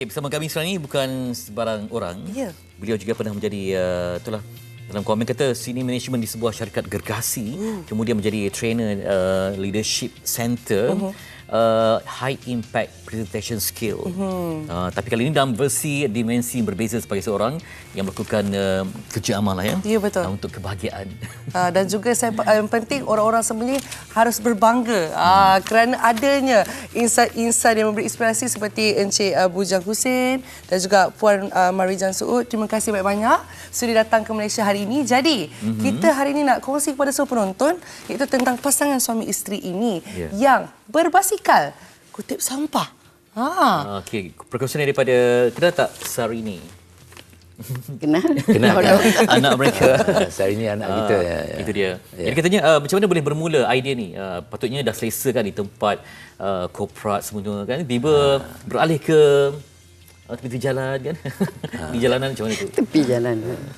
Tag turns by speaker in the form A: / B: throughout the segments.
A: Bersama kami sekarang ini bukan sebarang orang.
B: Ya.
A: Beliau juga pernah menjadi itulah dalam komen kata senior management di sebuah syarikat gergasi, kemudian menjadi trainer leadership center, high impact presentation skill. Tapi kali ini dalam versi dimensi berbeza sebagai seorang yang melakukan kerja amal ya.
B: Ya, betul.
A: Untuk kebahagiaan.
B: Dan juga yang penting orang-orang sebenarnya harus berbangga kerana adanya insan-insan yang memberi inspirasi seperti Encik Bujang Hussein dan juga Puan Marijan Suud. Terima kasih banyak-banyak sudah datang ke Malaysia hari ini. Jadi, kita hari ini nak kongsi kepada semua penonton iaitu tentang pasangan suami isteri ini yang berbasikal kutip sampah.
A: Okey, perkongsian daripada kenal tak Sarini?
C: Kenal.
A: Anak mereka.
C: Sarini anak kita.
A: Itu dia. Jadi katanya macam mana boleh bermula idea ni? Patutnya dah selesa kan di tempat korporat semua kan. Tiba beralih ke tepi jalan kan. Di jalanan macam mana tu?
C: Tepi jalan.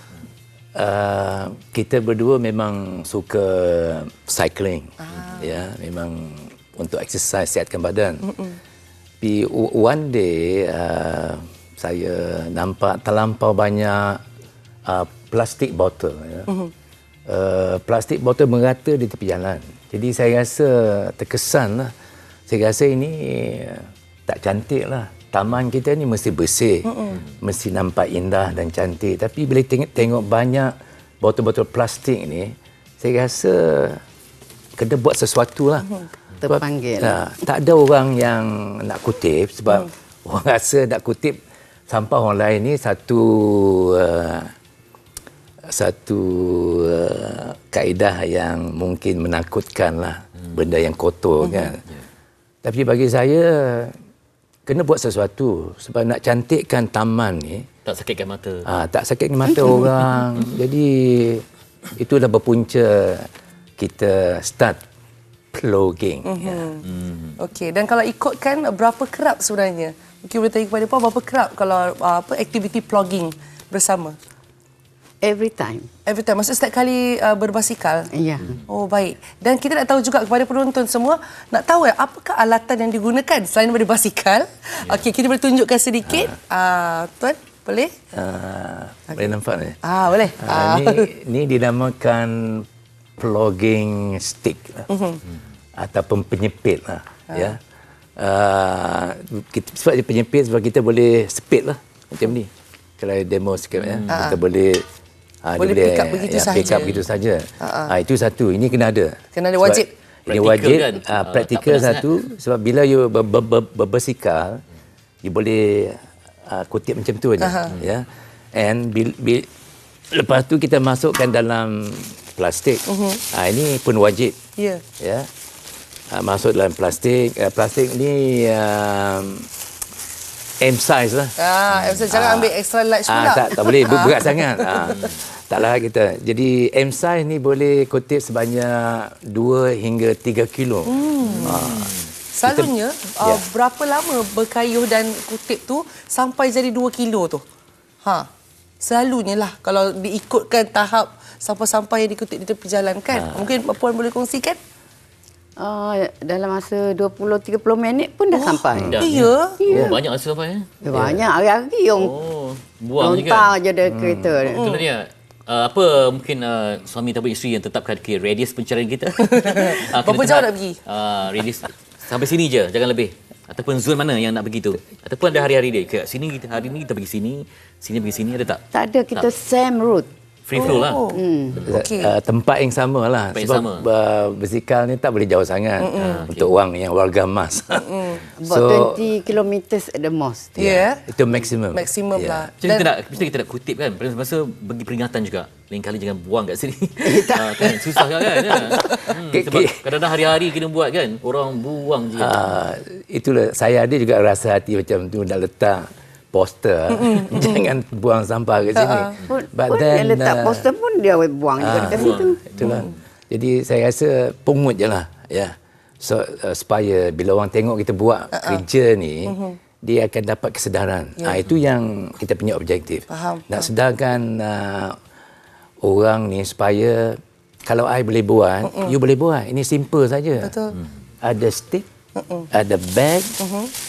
C: Kita berdua memang suka cycling. Ya, memang untuk exercise, sihatkan badan. Tapi one day saya nampak terlampau banyak plastik botol. Ya. Plastik botol merata di tepi jalan. Jadi saya rasa terkesan lah. Saya rasa ini tak cantik lah. Taman kita ni mesti bersih, mesti nampak indah dan cantik. Tapi bila tengok banyak botol-botol plastik ni, saya rasa kena buat sesuatu lah. Terpanggil.
A: Tak ada orang yang nak kutip sebab orang rasa nak kutip sampah orang lain ni satu kaedah yang mungkin menakutkan lah, benda yang kotor kan. Tapi bagi saya kena buat sesuatu sebab nak cantikkan taman ni.
B: Tak sakitkan mata.
A: Tak sakitkan mata orang. Jadi itulah berpunca kita start vlogging.
B: Okey, dan kalau ikutkan berapa kerap sebenarnya? Mungkin boleh tanya kepada Puan berapa kerap kalau aktiviti vlogging bersama?
C: Every time.
B: Every time. Maksud setiap kali berbasikal?
C: Ya.
B: Oh, baik. Dan kita nak tahu juga kepada penonton semua, nak tahu apakah alatan yang digunakan selain daripada basikal? Okey, kita boleh tunjukkan sedikit. Tuan, boleh?
A: Boleh nampak ni?
B: Boleh.
A: Ni dinamakan vlogging stick lah. Ataupun penyepit lah. Ya. Sebab dia penyepit sebab kita boleh speed lah macam ni. Kalau demo sikit ya. Kita boleh
B: pick up begitu saja.
A: Pick up begitu saja. Itu satu. Ini kena ada.
B: Kena ada wajib.
A: Ini wajib.
B: Kan?
A: Praktikal satu. Sebab bila you berbasikal, you boleh kutip macam tu aja. Ya. And lepas tu kita masukkan dalam plastik. Ini pun wajib.
B: Ya.
A: Ya. Masuk dalam plastik. Plastik ni M size lah.
B: M size, jangan ambil extra large pula.
A: Tak boleh berat sangat. Taklah kita. Jadi M size ni boleh kutip sebanyak 2 hingga 3 kilo.
B: Selalunya berapa lama berkayuh dan kutip tu sampai jadi 2 kilo tu? Selalunya lah kalau diikutkan tahap sampah-sampah yang dikutip di tepi jalan kan. Mungkin Puan boleh kongsikan?
C: Dalam masa 20-30 minit pun dah sampai.
B: Ya.
A: Banyak masa sampai ya?
C: Banyak hari-hari yang
A: buang je
C: kan? Je ada kereta.
A: Itulah dia. Apa mungkin suami ataupun isteri yang tetapkan radius pencarian kita?
B: Berapa jauh nak pergi?
A: Radius sampai sini je, jangan lebih. Ataupun zon mana yang nak pergi tu? Ataupun ada hari-hari dia. Ke sini kita hari ni kita pergi sini pergi sini, ada tak?
C: Tak ada, kita same route.
A: Free flow lah.
B: Okay.
A: Tempat yang sama lah. Sebab basikal ni tak boleh jauh sangat untuk orang yang warga emas.
C: About 20 kilometers at the most.
A: Itu maksimum.
B: Maksimum lah.
A: Jadi kita nak kutip kan. Masa bagi peringatan juga. Lain kali jangan buang kat sini. Kan susah kan. Sebab kadang-kadang hari-hari kena buat kan. Orang buang je. Itulah saya ada juga rasa hati macam tu nak letak poster. Jangan buang sampah kat sini.
C: Pun yang letak poster pun dia buang juga dekat situ.
A: Itulah. Jadi saya rasa pungut je lah. Ya. So, supaya bila orang tengok kita buat kerja ni, dia akan dapat kesedaran. Itu yang kita punya objektif. Nak sedarkan orang ni supaya kalau I boleh buat, you boleh buat. Ini simple saja.
B: Betul.
A: Ada stick, ada bag,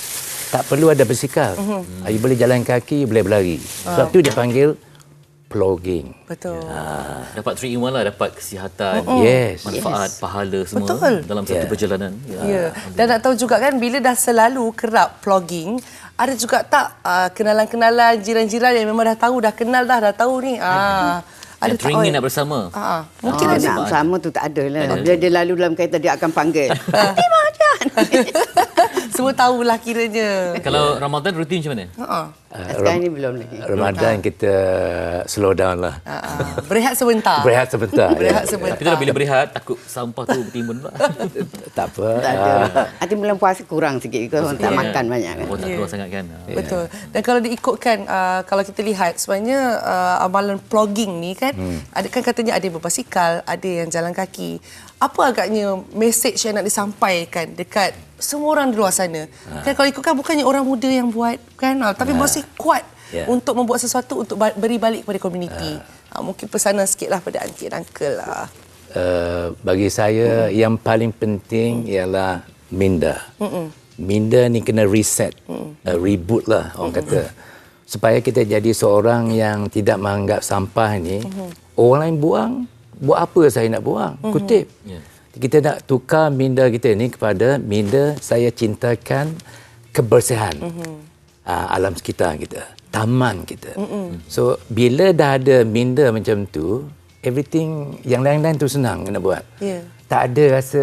C: Tak perlu ada basikal. You boleh jalan kaki, you boleh berlari. Sebab tu dia panggil plogging.
B: Betul.
A: Dapat 3 in 1 lah, dapat kesihatan,
C: Yes.
A: manfaat, pahala semua
B: Betul.
A: dalam satu perjalanan.
B: Ya. Dan nak tahu juga kan, bila dah selalu kerap plogging, ada juga tak kenalan-kenalan, jiran-jiran yang memang dah tahu, dah kenal dah tahu ni. Ada
A: Yang teringin nak bersama.
B: Mungkin
D: Dia
B: ada.
D: nak sama tu tak ada lah. Bila dia lalu dalam kereta, dia akan panggil. Hati Majan.
B: Semua tahulah kiranya.
A: Kalau Ramadan rutin macam mana?
D: Sekarang ni belum lagi.
C: Ramadan kita slow down lah.
B: Berehat sebentar.
C: Berehat sebentar.
B: Berehat
C: ya.
B: sebentar.
A: Tapi tu bila berehat, takut sampah tu bertimbun pula.
C: Tak apa.
D: Tak ada. Hati bulan puasa kurang sikit. Because orang tak makan banyak kan.
A: Oh, tak keluar sangat kan?
B: Betul. Dan kalau diikutkan, kalau kita lihat sebenarnya amalan plogging ni kan, ada kan katanya ada yang berbasikal, ada yang jalan kaki. Apa agaknya mesej yang nak disampaikan dekat semua orang di luar sana? Kan kalau ikutkan bukannya orang muda yang buat kan, tapi masih kuat untuk membuat sesuatu untuk beri balik kepada komuniti. Mungkin pesanan sikitlah pada aunty dan uncle lah.
C: Bagi saya yang paling penting ialah minda. Minda ni kena reset, reboot lah orang kata. Supaya kita jadi seorang yang tidak menganggap sampah ni, orang lain buat apa saya nak buang? Kutip. Kita nak tukar minda kita ni kepada minda saya cintakan kebersihan alam sekitar kita, taman kita. So bila dah ada minda macam tu, everything yang lain-lain tu senang nak buat. Tak ada rasa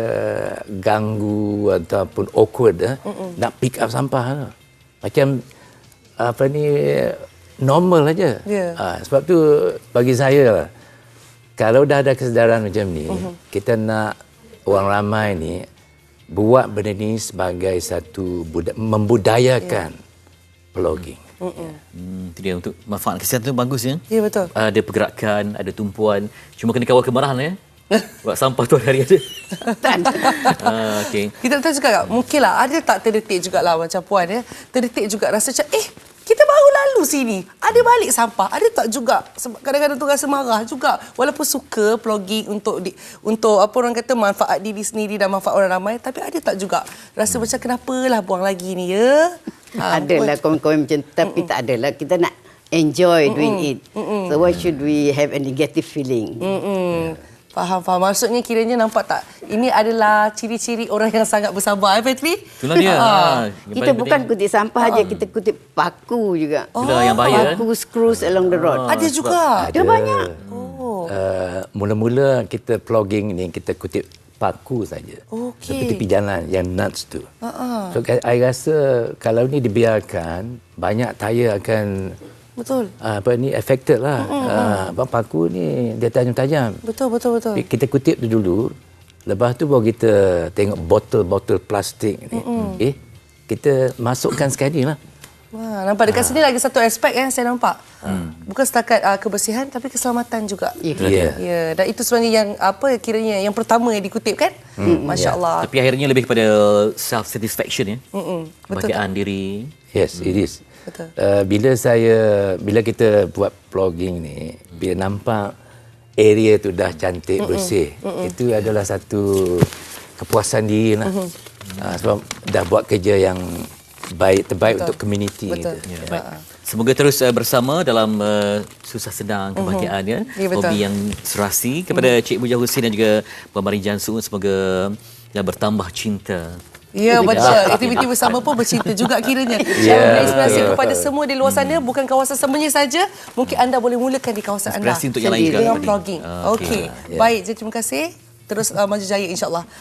C: ganggu ataupun awkward nak pick up sampah. Macam apa ni, normal aja. Sebab tu bagi saya lah, kalau dah ada kesedaran macam ni, kita nak orang ramai ni buat benda ni sebagai satu membudayakan plogging.
A: Itu dia, untuk manfaat kesihatan tu bagus ya.
B: Ya, betul.
A: Ada pergerakan, ada tumpuan. Cuma kena kawal kemarahan ya. Buat sampah tu hari-hari ada. Okay.
B: Kita tahu juga, mungkinlah ada tak terdetik jugalah macam Puan ya. Terdetik juga rasa macam, kita baru lalu sini, ada balik sampah. Ada tak juga, sebab kadang-kadang tu rasa marah juga. Walaupun suka plogging untuk apa orang kata, manfaat diri sendiri dan manfaat orang ramai, tapi ada tak juga rasa macam kenapalah buang lagi ni ya?
D: Adalah komen-komen macam tu, tapi tak adalah. Kita nak enjoy doing it. So why should we have a negative feeling?
B: Faham. Maksudnya kiranya nampak tak? Ini adalah ciri-ciri orang yang sangat bersabar, Fetri?
A: Itulah dia.
D: Kita bukan kutip sampah aja, kita kutip paku juga.
A: Itulah yang bahaya.
D: Paku screws along the road.
B: Ada juga.
D: Ada banyak.
C: Mula-mula kita plogging ni kita kutip paku saja. Seperti tepi jalan yang nuts tu. So I rasa kalau ni dibiarkan, banyak tayar akan affected lah. Paku ni dia tajam-tajam.
B: Betul.
C: Kita kutip tu dulu. Lepas tu baru kita tengok botol-botol plastik ni. Kita masukkan sekali lah.
B: Nampak dekat sini lagi satu aspek yang saya nampak. Bukan setakat kebersihan, tapi keselamatan juga. Dan itu sebenarnya yang kiranya yang pertama yang dikutip kan. Masya-Allah.
A: Tapi akhirnya lebih kepada self satisfaction ya. Kebahagiaan diri.
C: Yes, it is.
B: Betul.
C: Bila kita buat vlogging ni, bila nampak area tu dah cantik, bersih, itu adalah satu kepuasan diri lah. Sebab dah buat kerja yang terbaik untuk komuniti kita.
A: Baik. Semoga terus bersama dalam susah senang kebahagiaan ya. Hobi yang serasi. Kepada Cik Bujang Husin dan juga Puan Marijan Suu, semoga bertambah cinta.
B: Ya, betul. Aktiviti bersama pun bercinta juga kiranya. Yang inspirasi kepada semua di luar sana, bukan kawasan sembunyi saja. Mungkin anda boleh mulakan di kawasan anda.
A: Inspirasi untuk yang lain juga.
B: Dengan vlogging. Okey. Baik, terima kasih. Terus maju jaya insya-Allah.